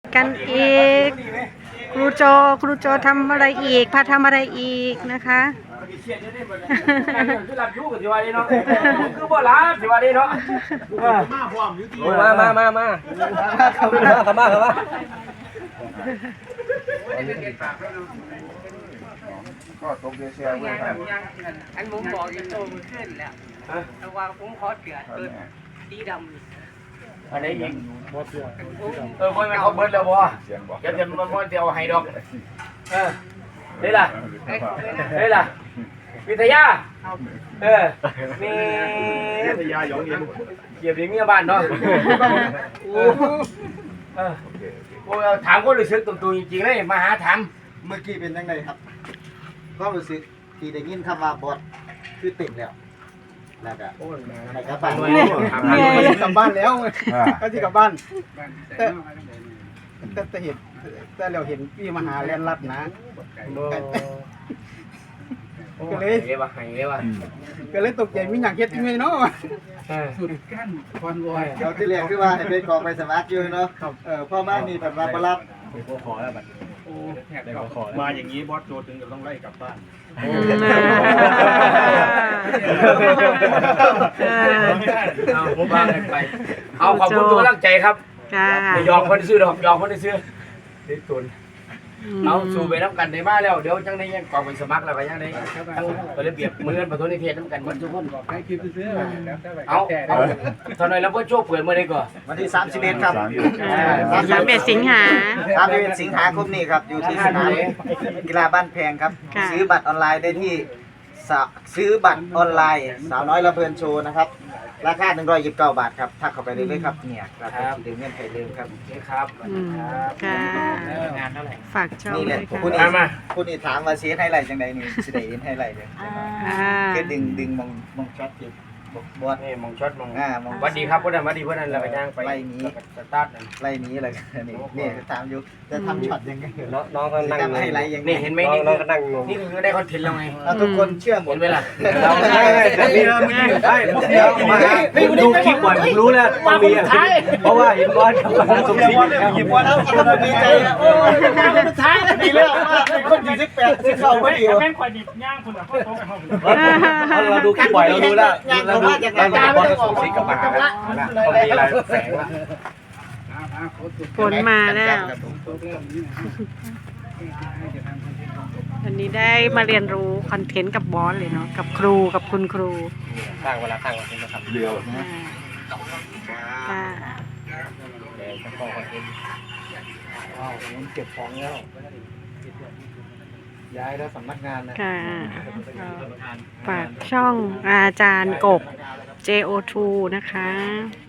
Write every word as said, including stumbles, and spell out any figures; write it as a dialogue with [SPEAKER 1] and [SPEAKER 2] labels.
[SPEAKER 1] กันอีกครูโจครูโจทำอะไรอีกพาทำอะไรอีกนะคะ
[SPEAKER 2] คือบ่รับสิว่าดีเนาะมามามามาเข้ามาเข้ามาเข้ามา
[SPEAKER 3] ก็ตกเสียๆเว้ยครับ
[SPEAKER 4] อันผมบอกอยู่โตมันขึ้นแล้วแต่ว่าผมขอเตือนตัวสีดำ
[SPEAKER 2] อันไหนอีกเออบ่แม่นเขาเบิดแล้วบ่เดี๋ยวจะมาบ่เดี๋ยวให้ดอกเออได้ล่ะได้ล่ะวิทยาเออมีวิทยาหยองเย็นเกียบอย่างเงี้ยบ้านเนาะโอ้เออโอ้ถามคนรู้สึกตรงๆจริงๆเลยมาหาถาม
[SPEAKER 3] เมื่อกี้เป็นยังไงครับก็รู้สึกที่ได้ยินคำว่าบอสคือเต็มแล้วแล้วก็อะไรก็ไป
[SPEAKER 5] กลับบ้านแล้วก็ที่กลับบ้านแต่แต่แต่เห็นแต่เราเห็นพี่มหาแลนรัดนะก็เลย
[SPEAKER 2] เรียกว่าไงเรียกว่า
[SPEAKER 5] ก็เลยตกใจมีอย่างเฮ็ดยังไงเนาะ
[SPEAKER 2] สุดกั้นคอนวอย
[SPEAKER 3] เราที่เรียกคือว่าให้ไปกองไปสมัครอยู่เนาะเออพ่อมามีแบบว่าบ่รับ
[SPEAKER 5] ขอแล้วบัดมาอย่างนี้บอสโจถึงกับต้องไล่กลับบ้าน
[SPEAKER 2] เอาผมว่ากันไปเอาขอบคุณทุกกำลังใจครับยอมคนซื้อดอกยอมคนซื้อเด็กตุนเอาสู่ไปน้ำกันได้มาแล้วเดี๋ยวจังได้ยังกองไปสมัครแล้วไปยังได้ทั้งระเบียบมือประตูนิเทศน้ำกันมันทุกคนเอาเอาตอนนี้เราเพิ่งโชว์เปิดเมื่อไรก่อน
[SPEAKER 3] วันที่สามสิบเอ็ดครับ
[SPEAKER 1] สามเอ็ดสิงหา
[SPEAKER 3] สามสิบเอ็ดสิงหาคมนี้ครับอยู่ที่สนามกีฬาบ้านแพงครับซื้อบัตรออนไลน์ได้ที่ซื้อบัตรออนไลน์สาวน้อยระเบิดโชว์นะครับราคาหนึ่งร้อยยี่สิบเก้าบาทครับทักเข้าไปเลยเลยครับเนี่ยครับดึงเงินไขเร็วครับ
[SPEAKER 2] นี่ครับ
[SPEAKER 1] ค่ะ
[SPEAKER 2] งานเท่าไหร่
[SPEAKER 1] ฝากช่อง
[SPEAKER 3] นี่แห
[SPEAKER 1] ด้
[SPEAKER 3] ละ
[SPEAKER 1] วยค่ะ
[SPEAKER 3] คุณนี่คุณนี่ถามว่าเสียไฮไลท์จังใดนี่สิได้เห็นไฮไลท์เลย
[SPEAKER 1] อ่า
[SPEAKER 3] คือดึงดึงมองมองช็อตอยู่บอส
[SPEAKER 2] นี่มองช็อตมอง
[SPEAKER 3] อ่ามอง
[SPEAKER 2] วัดดีครับพวกนั้นวัดดีพวกนั้นเราไปย่างไปสตาร์ท
[SPEAKER 3] ไล่นี้อะไรนี่นี่ถามอยู่จะทำช็อตยังไง
[SPEAKER 2] น้องน้องก็นั่ง
[SPEAKER 3] ทำไฮไลท์ยังไง
[SPEAKER 2] นี่เห็นไหมนี่น้องก็นั่งนี่คือได้คอนเทนต์แล้วไง
[SPEAKER 3] ทุกคนเชื่อหม
[SPEAKER 2] เห็
[SPEAKER 3] ด
[SPEAKER 2] นไหมล่ะ
[SPEAKER 3] เรา
[SPEAKER 2] ได้
[SPEAKER 3] ได้ได้ได้ผมดูคลิปบ่อยผมรู้แล้วมันมีเพราะว่าเห็นบอสกับมาสมศรีหยิบบอสแล้วมันดีใจโอ้ยสุดท้ายดีแล้วว่าเป็นคนที่สิบแปดสิบเก้าพอดี
[SPEAKER 5] แม่งคอยดิบย่างคุณอ่ะพ่อโตกับเขา
[SPEAKER 3] เราดูคลิปบ่อยเรารู้แล้วเราดูเราดูบอสกับสมศรีกับมาแล้วเขามีอะไรแฝงละ
[SPEAKER 1] ผลมาแล้ววันนี้ได้มาเรียนรู้คอนเทนต์กับบอสเลยเนาะกับครูกับคุณครู
[SPEAKER 2] ข้างเวลาข้างวันนี้นะครับเรียว
[SPEAKER 1] ค่ะ
[SPEAKER 2] เดี๋ยวจะบอกคอนเทนต์ว้าวผมเก็บของแล้วย้ายแล้วสำนักงานนะ
[SPEAKER 1] ค่ะฝากช่องอาจารย์กบ เจ โอ ทู นะคะ